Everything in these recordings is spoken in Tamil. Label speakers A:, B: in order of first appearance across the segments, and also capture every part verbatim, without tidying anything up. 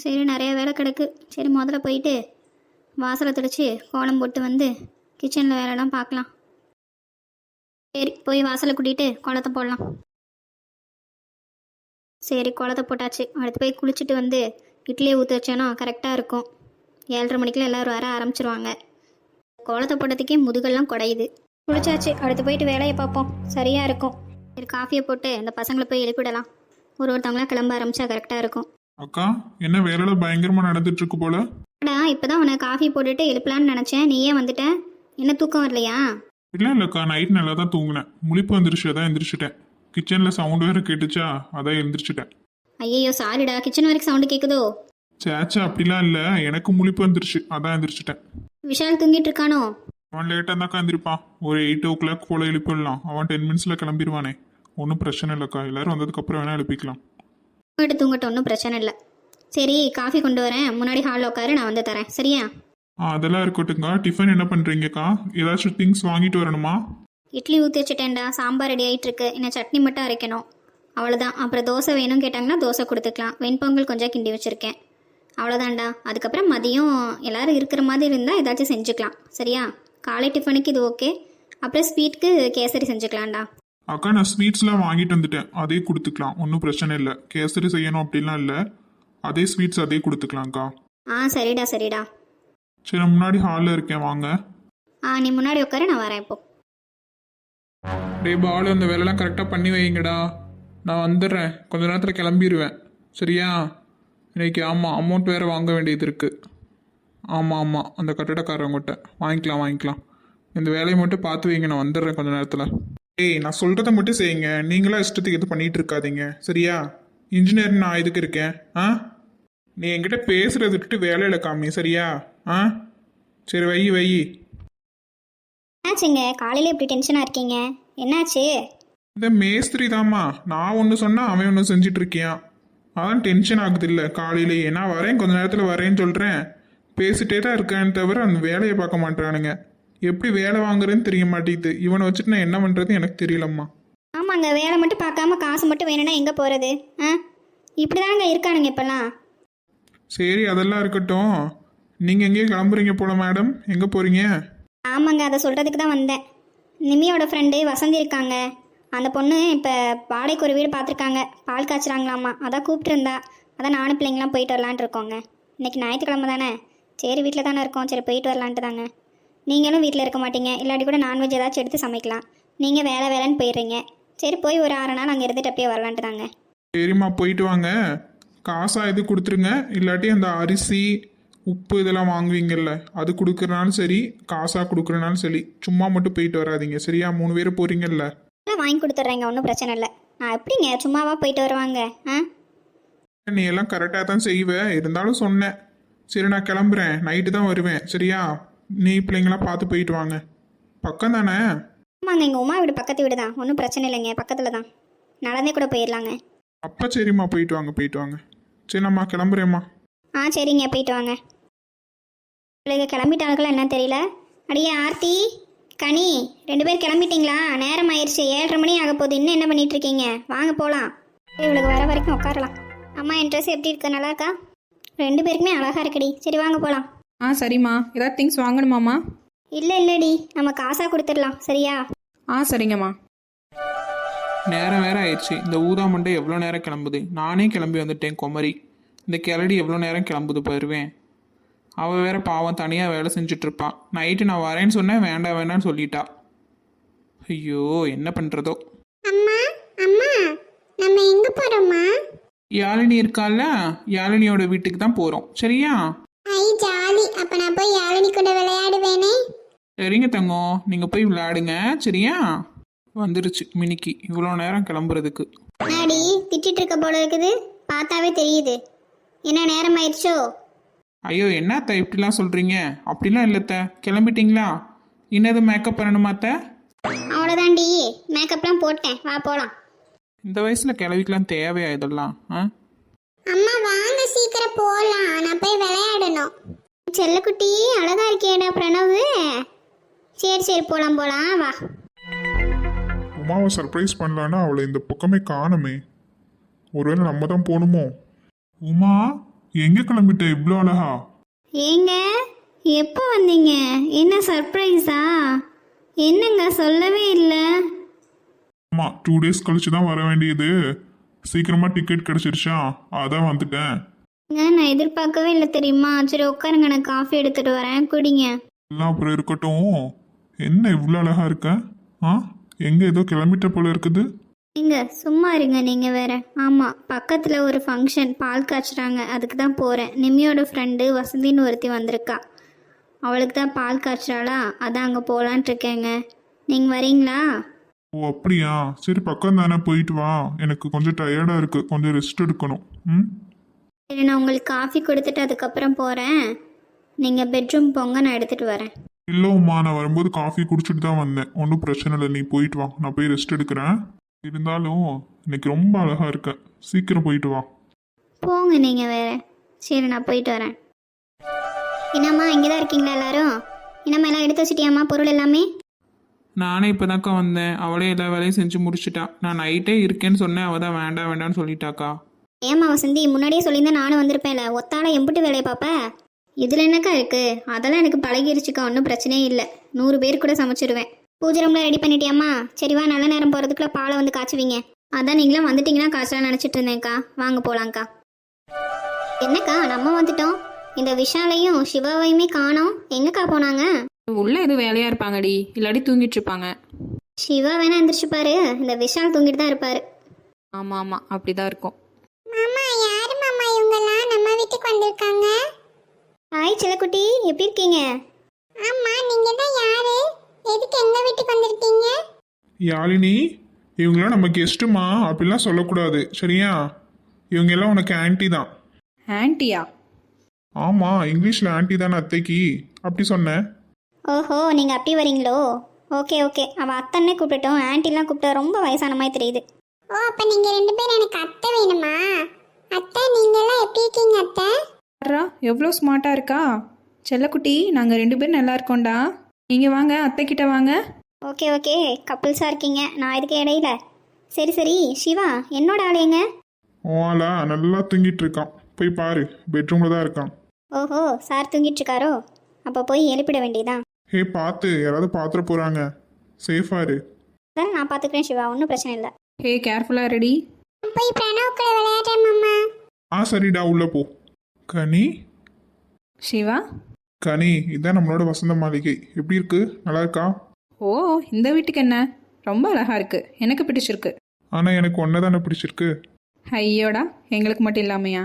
A: சரி நிறைய வேலை கிடக்கு. சரி முதல்ல போயிட்டு வாசலை தெளித்து கோலம் போட்டு வந்து கிச்சனில் வேலைலாம் பார்க்கலாம். சரி போய் வாசலை கூட்டிகிட்டு கோலத்தை போடலாம். சரி கோலத்தை போட்டாச்சு. அடுத்து போய் குளிச்சுட்டு வந்து இட்லியை ஊற்றி வச்சேன்னா கரெக்டாக இருக்கும். ஏழரை மணிக்கெலாம் எல்லோரும் வர ஆரம்பிச்சிருவாங்க. கோலத்தை போட்டதுக்கே முதுகெல்லாம் குடையுது. குளிச்சாச்சு. அடுத்து போயிட்டு வேலையை பார்ப்போம். சரியாக இருக்கும். சரி காஃபியை போட்டு இந்த பசங்களை போய் எழுப்பிடலாம். ஒரு ஒருத்தவங்களாம் கிளம்ப ஆரம்பித்தா கரெக்டாக இருக்கும்.
B: அக்கா என்ன வேலையில பயங்கரமா நடந்துட்டு இருக்கு போல.
A: அடா இப்போதான் உனக்கு காஃபி போட்டுட்டு எழுப்பலான்னு நினச்சேன். நீயே வந்துட்ட. என்ன தூக்கம் வரலையா?
B: இல்லை இல்லைக்கா, நைட் நல்லா தான் தூங்கினேன். முழிப்பு வந்துருச்சு, அதான் எந்திரிச்சிட்டேன். கிச்சனில் சவுண்டு வேறு கேட்டுச்சா, அதான் எழுந்திரிச்சிட்டேன்.
A: ஐயோ சாரிடா, கிச்சன் வரைக்கும் சவுண்டு கேட்குதோ?
B: சேச்சா அப்படிலாம் இல்லை, எனக்கு முழிப்பு வந்துருச்சு, அதான் எந்திரிச்சிட்டேன்.
A: விஷால் தூங்கிட்டு இருக்கானோ?
B: அவன் லேட்டாக இருந்தாக்கா எந்திரிப்பான். ஒரு எயிட் ஓ கிளாக் போல் எழுப்பிடலாம். அவன் டென் மினிட்ஸில் கிளம்பிடுவானே. ஒன்றும் பிரச்சனை இல்லைக்கா, எல்லாரும் வந்ததுக்கப்புறம் வேணால் எழுப்பிக்கலாம்.
A: தூங்கிட்டு தூங்கட்டும், ஒன்றும் பிரச்சனை இல்லை. சரி காஃபி கொண்டு வரேன். முன்னாடி ஹாலில் உட்காரு, நான் வந்து தரேன். சரியா?
B: ஆ அதெல்லாம் இருக்கட்டுங்க. டிஃபன் என்ன பண்ணுறீங்கக்கா? ஏதாச்சும் திங்ஸ் வாங்கிட்டு வரணுமா?
A: இட்லி ஊற்றி வச்சுட்டேன்டா. சாம்பார் ரெடி ஆகிட்டு இருக்கு. இன்னும் சட்னி மட்டும் அரைக்கணும். அவ்வளோதான். அப்புறம் தோசை வேணும் கேட்டாங்கன்னா தோசை கொடுத்துக்கலாம். வெண்பொங்கல் கொஞ்சம் கிண்டி வச்சுருக்கேன். அவ்வளோதான்டா. அதுக்கப்புறம் மதியம் எல்லோரும் இருக்கிற மாதிரி இருந்தால் ஏதாச்சும் செஞ்சுக்கலாம். சரியா? காலை டிஃபனுக்கு இது ஓகே. அப்புறம் ஸ்வீட்டுக்கு கேசரி செஞ்சுக்கலாம்டா.
B: அக்கா நான் ஸ்வீட்ஸ்லாம் வாங்கிட்டு வந்துட்டேன், அதே கொடுத்துக்கலாம். ஒன்றும் பிரச்சனை இல்லை. கேசரி செய்யணும் அப்படிலாம் இல்லை, அதே ஸ்வீட்ஸ் அதே கொடுத்துக்கலாம்க்கா.
A: ஆ சரிடா சரிடா.
B: சரி நான் முன்னாடி ஹாலில் இருக்கேன், வாங்க.
A: ஆ நீ முன்னாடி உட்காரு, நான் வரேன் இப்போ.
C: டே பாலு, அந்த வேலைலாம் கரெக்டாக பண்ணி வைங்கடா. நான் வந்துடுறேன், கொஞ்ச நேரத்தில் கிளம்பிடுவேன். சரியா? இன்னைக்கு ஆமாம் அமௌண்ட் வேறு வாங்க வேண்டியது இருக்குது. ஆமாம் ஆமாம், அந்த கட்டடக்காரவங்ககிட்ட வாங்கிக்கலாம் வாங்கிக்கலாம். இந்த வேலையை மட்டும் பார்த்து வைங்க, நான் வந்துடுறேன் கொஞ்ச நேரத்தில். ஏய் நான் சொல்கிறத மட்டும் செய்யுங்க, நீங்களாம் இஷ்டத்துக்கு எது பண்ணிகிட்டு இருக்காதீங்க. சரியா? இன்ஜினியர் நான் இதுக்கு இருக்கேன். ஆ நீ என்கிட்ட பேசுகிறத விட்டுட்டு வேலையில் காமி. சரியா? ஆ சரி வை வை.
A: என்னாச்சுங்க காலையில் இப்படி டென்ஷனாக இருக்கீங்க? என்னாச்சு?
B: இந்த மேஸ்திரி தாம்மா, நான் ஒன்று சொன்னால் அவன் ஒன்று செஞ்சிட்டு இருக்கியான். அதான் டென்ஷன் ஆகுது. இல்லை காலையிலேயே நான் வரேன், கொஞ்ச நேரத்தில் வரேன்னு சொல்கிறேன். பேசிட்டே தான் இருக்கான்னு தவிர அந்த வேலையை பார்க்க மாட்டானுங்க. எப்படி வேலை வாங்குறேன்னு தெரிய மாட்டேங்குது. இவனை வச்சுட்டு நான் என்ன பண்ணுறது எனக்கு தெரியலம்மா.
A: ஆமாங்க, வேலை மட்டும் பார்க்காம காசு மட்டும் வேணும்னா எங்கே போகிறது? ஆ இப்படி தாங்க இருக்கானுங்க இப்போல்லாம்.
B: சரி அதெல்லாம் இருக்கட்டும். நீங்கள் எங்கேயும் கிளம்புறீங்க போல மேடம், எங்கே போகிறீங்க?
A: ஆமாங்க, அதை சொல்கிறதுக்கு தான் வந்தேன். நிமியோட ஃப்ரெண்டு வசந்தி இருக்காங்க. அந்த பொண்ணு இப்போ வாடகைக்கு ஒரு வீடு பார்த்துருக்காங்க. பால் காய்ச்சுறாங்களாம்மா, அதான் கூப்பிட்டுருந்தா. அதான் நானும் பிள்ளைங்களாம் போயிட்டு வரலான்ட்டு இருக்கோங்க. இன்றைக்கி ஞாயிற்றுக்கிழமை தானே, சரி வீட்டில் தானே இருக்கோம், சரி போயிட்டு வரலான்ட்டு தாங்க. நீங்களும் வீட்டில் இருக்க மாட்டீங்க, இல்லாட்டி கூட நான்வெஜ் ஏதாச்சும் எடுத்து சமைக்கலாம். நீங்கள் வேலை வேலைன்னு போயிடுறீங்க. சரி போய் ஒரு ஆறு நாள் அங்கே இருந்துட்டு அப்படியே வரலான்ட்டு தாங்க.
B: சரிம்மா போயிட்டு வாங்க. காசாக இது கொடுத்துருங்க, இல்லாட்டி அந்த அரிசி உப்பு இதெல்லாம் வாங்குவீங்கல்ல அது கொடுக்குறனாலும் சரி, காசாக கொடுக்குறனாலும் சரி, சும்மா மட்டும் போயிட்டு வராதிங்க. சரியா? மூணு பேர் போகிறீங்கல்ல,
A: வாங்கி கொடுத்துட்றேங்க, ஒன்றும் பிரச்சனை இல்லை. நான் எப்படிங்க சும்மாவா போயிட்டு வருவாங்க? ஆ
B: நீ எல்லாம் கரெக்டாக தான் செய்வேன், இருந்தாலும் சொன்னேன். சரி நான் கிளம்புறேன், நைட்டு தான் வருவேன். சரியா? நீ பிள்ளைங்களாம் பார்த்து போயிட்டு வாங்க. பக்கம் தானே?
A: ஆமாங்க, எங்கள் உமா வீடு பக்கத்து வீடு தான், ஒன்றும் பிரச்சனை இல்லைங்க, பக்கத்தில் தான், நடந்தே கூட போயிடலாங்க.
B: அப்போ சரிம்மா போயிட்டு வாங்க போயிட்டு வாங்க. சரி நம்மா கிளம்புறேம்மா.
A: ஆ சரிங்க போயிட்டு வாங்க. பிள்ளைங்க கிளம்பிட்டாங்களா என்ன தெரியல. அடியே ஆர்த்தி, கனி, ரெண்டு பேர் கிளம்பிட்டீங்களா? நேரம் ஆயிடுச்சு, ஏழரை மணி ஆக போகுது. இன்னும் என்ன பண்ணிட்டு இருக்கீங்க? வாங்க போகலாம். இவளுக்கு வர வரைக்கும் உட்காரலாம். அம்மா என் ட்ரெஸ் எப்படி இருக்கு? நல்லா இருக்கா? ரெண்டு பேருக்குமே அழகாக இருக்குடி. சரி வாங்க போகலாம்.
D: ஆ சரிம்மா. ஏதாவது திங்ஸ் வாங்கணுமாம்மா?
A: இல்லை இல்லைடி, நம்ம காசாக கொடுத்துடலாம். சரியா?
D: ஆ சரிங்கம்மா.
C: நேரம் வேற ஆயிடுச்சு. இந்த ஊதா மண்டை எவ்வளோ நேரம் கிளம்புது? நானே கிளம்பி வந்துட்டேன் குமரி. இந்த கிளடி எவ்வளோ நேரம் கிளம்புது போயிடுவேன். அவள் வேற பாவம் தனியாக வேலை செஞ்சிட்ருப்பான். நைட்டு நான் வரேன்னு சொன்னேன், வேண்டாம் வேண்டான்னு சொல்லிட்டா. ஐயோ என்ன பண்ணுறதோ.
E: அம்மா அம்மா நம்ம எங்க போறோம்மா?
C: யாழினி இருக்கால, யாழினியோட வீட்டுக்கு தான் போகிறோம். சரியா?
E: ஐ ஜாலி. அப்ப நான் போய் யாழினி கூட விளையாடுவேனே.
C: சரிங்க தங்கம், நீங்கள் போய் விளையாடுங்க. சரியா? வந்துருச்சு மினிக்கு இவ்வளோ நேரம் கிளம்புறதுக்கு.
A: அடி திட்டிட்டு இருக்க போல இருக்குது, பார்த்தாவே தெரியுது. என்ன நேரம் ஆயிடுச்சோ?
C: ஐயோ என்னத்த இப்படிலாம் சொல்கிறீங்க? அப்படிலாம் இல்லைத்த, கிளம்பிட்டீங்களா? இன்னது மேக்கப் பண்ணணுமாத்த?
A: அவ்வளோதாண்டி, மேக்கப்லாம் போட்டேன், வா போகலாம்.
C: இந்த வயசில் கிளவிக்கலாம் தேவையா இதெல்லாம்? ஆ
E: அம்மா வாங்க சீக்கிரம் போலாம், நான் போய் விளையாடணும்.
A: செல்லக்குட்டி அழகா இருக்கேடா பிரணவு. சரி சரி போகலாம் போகலாம், வா.
B: உமாவை சர்ப்ரைஸ் பண்ணலான்னா அவளை இந்த பக்கமே காணுமே. ஒருவேளை நம்ம தான் போகணுமோ? உமா எங்க கிளம்பிட்ட இவ்வளோ அழகா?
A: ஏங்க எப்போ வந்தீங்க? என்ன சர்ப்ரைஸா? என்னங்க சொல்லவே இல்லை.
B: ஆமா, டூ டேஸ் கழிச்சு தான் வர வேண்டியது. சீக்கிரமா டிக்கெட் கிடைச்சிருச்சா, அதான் வந்துட்டேன்.
A: ஏங்க, நான் எதிர்பார்க்கவே இல்லை தெரியுமா? சரி உட்காருங்க, நான் காஃபி எடுத்துட்டு வரேன், குடிங்க.
B: எல்லாம் அப்புறம் இருக்கட்டும். என்ன இவ்வளோ அழகா இருக்க? ஆ, எங்க ஏதோ கிளம்பிட்ட போல இருக்குது.
A: நீங்க சும்மா இருங்க, நீங்கள் வேற. ஆமாம், பக்கத்தில் ஒரு ஃபங்க்ஷன், பால் காய்ச்சுறாங்க, அதுக்கு தான் போகிறேன். நிம்மியோட ஃப்ரெண்டு வசந்தின்னு ஒருத்தி வந்திருக்கா, அவளுக்கு தான் பால் காய்ச்சுறாளா, அதான் அங்கே போகலான்ட்டு இருக்கேங்க. நீங்கள் வரீங்களா?
B: ஓ அப்படியா, சரி பக்கம் தானே, போயிட்டு வா. எனக்கு கொஞ்சம் டயர்டா இருக்கு, கொஞ்சம் ரெஸ்ட் எடுக்கணும். ம்
A: சரி, நான் உங்களுக்கு காஃபி கொடுத்துட்டு அதுக்கப்புறம் போகிறேன். நீங்கள் பெட்ரூம் போங்க, நான் எடுத்துகிட்டு வரேன்.
B: இல்லை உமா, நான் வரும்போது காஃபி குடிச்சிட்டு தான் வந்தேன். ஒன்றும் பிரச்சனை இல்லை, நீ போயிட்டு வா, நான் போய் ரெஸ்ட் எடுக்கிறேன். இருந்தாலும் இன்னைக்கு ரொம்ப அழகா இருக்க, சீக்கிரம் போயிட்டு வா.
A: போங்க நீங்கள் வேற. சரி, நான் போயிட்டு வரேன். என்னம்மா இங்கே தான் இருக்கீங்களா எல்லாரும்? என்னம்மா எல்லாம் எடுத்து வச்சிட்டியாம்மா பொருள் எல்லாமே?
C: நானே இப்போதாக்கா வந்தேன். அவளே எல்லா வேலையும் செஞ்சு முடிச்சிட்டா. நான் நைட்டே இருக்கேன்னு சொன்னேன், அவள் தான் வேண்டாம் வேண்டாம்னு சொல்லிட்டாக்கா.
A: ஏம்மா வசந்தி, முன்னாடியே சொல்லியிருந்தா நானும் வந்திருப்பேன்ல. ஒத்தால எம்பிட்டு வேலையை பார்ப்ப? இதில் என்னக்கா இருக்குது? அதெல்லாம் எனக்கு பழகிருச்சுக்கா, ஒன்றும் பிரச்சனையே இல்லை. நூறு பேர் கூட சமைச்சிடுவேன். பூஜை ரூமில் ரெடி பண்ணிட்டியாம்மா? சரி வா, நல்ல நேரம் போகிறதுக்குள்ள பாலை வந்து காய்ச்சுவீங்க. அதான் நீங்களாம் வந்துட்டீங்கன்னா காய்ச்சலாம் நினச்சிட்டு இருந்தேன்க்கா. வாங்க போகலாங்க்கா. என்னக்கா நம்ம வந்துட்டோம், இந்த விஷாலையும் சிவாவையுமே காணோம். எங்கக்கா போனாங்க?
D: உள்ளே எதுவும் வேலையாக இருப்பாங்கடி, இல்லாட்டி தூங்கிட்டு இருப்பாங்க.
A: சிவா வேணா எந்திரிச்சுப்பாரு, இந்த விஷால் தூங்கிட்டு தான் இருப்பாரு.
D: ஆமாம் ஆமாம், அப்படி தான் இருக்கும்.
E: மாமா யாரு மாமா இவங்கெல்லாம் நம்ம வீட்டுக்கு வந்திருக்காங்க?
A: ஹாய் செல்லக்குட்டி, எப்படி இருக்கீங்க?
E: ஆமா, நீங்க தான் யாரு? எதுக்கு எங்க வீட்டுக்கு வந்திருக்கீங்க?
B: யாழினி, இவங்களாம் நம்ம கெஸ்ட்டுமா, அப்படிலாம் சொல்லக்கூடாது சரியா? இவங்க எல்லாம் உனக்கு ஆன்ட்டி தான்.
D: ஆன்ட்டியா?
B: ஆமா, இங்கிலீஷ்ல ஆன்ட்டி தானே அத்தைக்கு, அப்படி சொன்னேன்.
A: ஓஹோ, நீங்கள் அப்படி வரீங்களோ? ஓகே ஓகே, அவள் அத்தன்னே கூப்பிட்டோம், ஆன்ட்டிலாம் கூப்பிட்டா ரொம்ப வயசான மாதிரி தெரியுது.
E: ஓ, அப்ப நீங்க ரெண்டு பேரும் எனக்கு அத்தை வேணுமா? அத்தை நீங்க எல்லாம் எப்படி இருக்கீங்க அத்தை?
D: வர்றா, எவ்வளோ ஸ்மார்ட்டாக இருக்கா செல்லக்குட்டி. நாங்கள் ரெண்டு பேரும் நல்லா இருக்கோம்டா. நீங்கள் வாங்க, அத்தைக்கிட்ட வாங்க.
A: ஓகே ஓகே, கப்புள்ஸாக இருக்கீங்க, நான் இதுக்கு இடையில. சரி சரி, சிவா என்னோட ஆளையங்க?
B: ஓலா நல்லா தூங்கிட்டு இருக்கான், போய் பாரு, பெட்ரூம்ல தான் இருக்கான்.
A: ஓஹோ, சார் தூங்கிட்டு இருக்காரோ? அப்போ போய் எழுப்பிட வேண்டியதான்.
B: ஹே பார்த்து, யாராவது பாத்திர போறாங்க, சேஃபா இரு.
A: அதான் நான் பார்த்துக்கிறேன் சிவா, ஒன்றும் பிரச்சனை இல்லை.
D: ஹே, கேர்ஃபுல்லாக ரெடி.
E: போய் பிரணவ் கூட விளையாடுறேன் மாமா.
B: ஆ சரிடா, உள்ள போ. கனி,
D: சிவா.
B: கனி, இதான் நம்மளோட வசந்த மாளிகை. எப்படி இருக்கு, நல்லா இருக்கா?
D: ஓ, இந்த வீட்டுக்கு என்ன, ரொம்ப அழகாக இருக்குது, எனக்கு பிடிச்சிருக்கு.
B: ஆனா எனக்கு ஒன்றை தானே பிடிச்சிருக்கு.
D: ஐயோடா, எங்களுக்கு மட்டும் இல்லாமையா?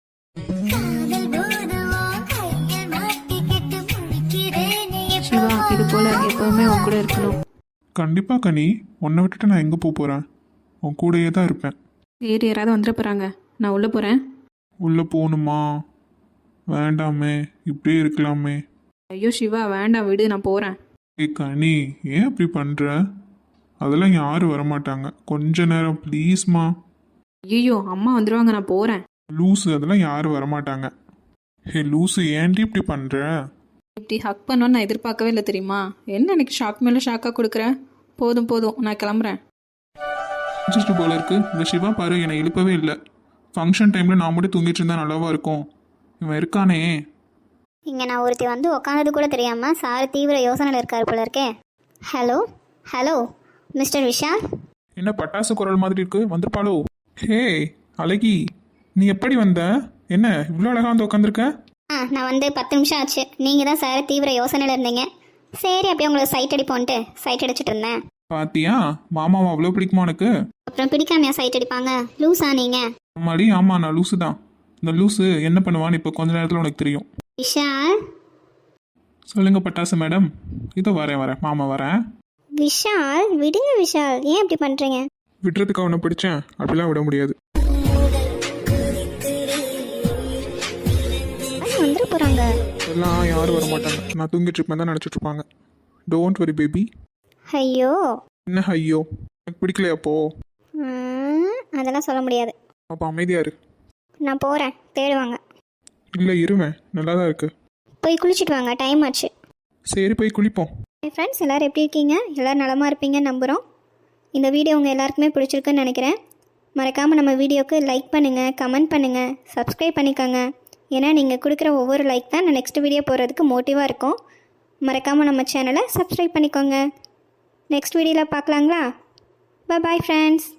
D: சிவா, இது போல் எப்போவுமே உன் கூட இருக்கணும்.
B: கண்டிப்பா கனி, உன்னை விட்டுட்டு நான் எங்கே போக போகிறேன், உன் கூடயே தான் இருப்பேன்.
D: வேறு யாராவது வந்துட போகிறாங்க, நான் உள்ளே போகிறேன்.
B: உள்ளே போகணுமா? வேண்டாமே, இப்படியே இருக்கலாமே.
D: ஐயோ சிவா, வேண்டாம் விடு, நான் போகிறேன்.
B: ஏ கனி, ஏன் அப்படி பண்ணுற? அதெல்லாம் யாரும் வரமாட்டாங்க, கொஞ்ச நேரம் ப்ளீஸ்மா.
D: ஐயோ, அம்மா வந்துடுவாங்க, நான் போகிறேன்.
B: லூஸு, அதெல்லாம் யாரும் வரமாட்டாங்க. ஹே லூஸு, ஏன்டி இப்படி பண்ணுற?
D: இப்படி ஹக் பண்ணோன்னு நான் எதிர்பார்க்கவே இல்லை தெரியுமா? என்ன எனக்கு ஷாக் மேலே ஷாக்காக கொடுக்குறேன். போதும் போதும், நான் கிளம்புறேன்.
C: முடிச்சிட்டு போல இருக்கு. இந்த சிவா பாரு, என்னை எழுப்பவே இல்லை. ஃபங்க்ஷன் டைமில் நான் மட்டும் தூங்கிட்டு இருந்தால் நல்லாவா இருக்கும்? இவன் இருக்கானே.
A: இங்கே நான் ஒருத்தி வந்து உட்காந்தது கூட தெரியாமல் சார் தீவிர யோசனையில் இருக்கார் போல இருக்கே. Hello hello mister Vishal.
C: என்ன பட்டாசு குரல் மாதிரி இருக்கு, வந்திருப்பாளோ? ஹே அழகி, நீ எப்படி வந்த? என்ன இவ்வளோ அழகாக வந்து உட்காந்துருக்க?
A: ஆ, நான் வந்து பத்து நிமிஷம் ஆச்சு. நீங்கள் தான் சார் தீவிர யோசனையில் இருந்தீங்க. சரி, அப்படியே உங்களுக்கு சைட் அடிப்போன்ட்டு சைட் அடிச்சிட்டு இருந்தேன்.
C: பாத்தியா, மாமாவை அவ்வளோ பிடிக்குமா உனக்கு?
A: அப்புறம் பிடிக்காமையா சைட் அடிப்பாங்க? லூஸா நீங்கள்?
C: அம்மாடி, ஆமாம் நான் லூஸு தான். இந்த லூஸு என்ன பண்ணுவான்னு இப்போ கொஞ்ச நேரத்தில் உனக்கு தெரியும்.
A: விஷால்.
C: சொல்லுங்க பட்டாசு மேடம். இதோ வரேன் வரேன் மாமா வரேன்.
A: விஷால் விடுங்க விஷால், ஏன் இப்படி பண்ணுறீங்க?
C: விடுறதுக்கு அவனை பிடிச்சேன், அப்படிலாம் விட முடியாது.
A: வந்துட போகிறாங்க.
C: எல்லாம் யாரும் வர மாட்டாங்க, நான் தூங்கிட்டு இருப்பேன் தான் நினச்சிட்டு இருப்பாங்க. Don't worry baby.
A: ஐயோ.
C: என்ன ஐயோ, எனக்கு பிடிக்கலையா அப்போ?
A: ம், அதெல்லாம் சொல்ல முடியாது.
C: அப்போ அமைதியா இரு.
A: நான் போகிறேன், தேடுவாங்க.
C: இல்லை இருவேன், நல்லா தான் இருக்கு.
A: போய் குளிச்சுட்டு வாங்க, டைம் ஆச்சு.
C: சரி போய் குளிப்போம்.
A: என் ஃப்ரெண்ட்ஸ் எல்லோரும் எப்படி இருக்கீங்க? எல்லோரும் நலமாக இருப்பீங்கன்னு நம்புகிறோம். இந்த வீடியோ உங்கள் எல்லாருக்குமே பிடிச்சிருக்குன்னு நினைக்கிறேன். மறக்காமல் நம்ம வீடியோவுக்கு லைக் பண்ணுங்கள், கமெண்ட் பண்ணுங்கள், சப்ஸ்கிரைப் பண்ணிக்கோங்க. ஏன்னா நீங்கள் கொடுக்குற ஒவ்வொரு லைக் தான் நான் நெக்ஸ்ட் வீடியோ போடுறதுக்கு மோட்டிவாக இருக்கும். மறக்காமல் நம்ம சேனலை சப்ஸ்கிரைப் பண்ணிக்கோங்க. நெக்ஸ்ட் வீடியோவில் பார்க்கலாங்களா? Bye friends.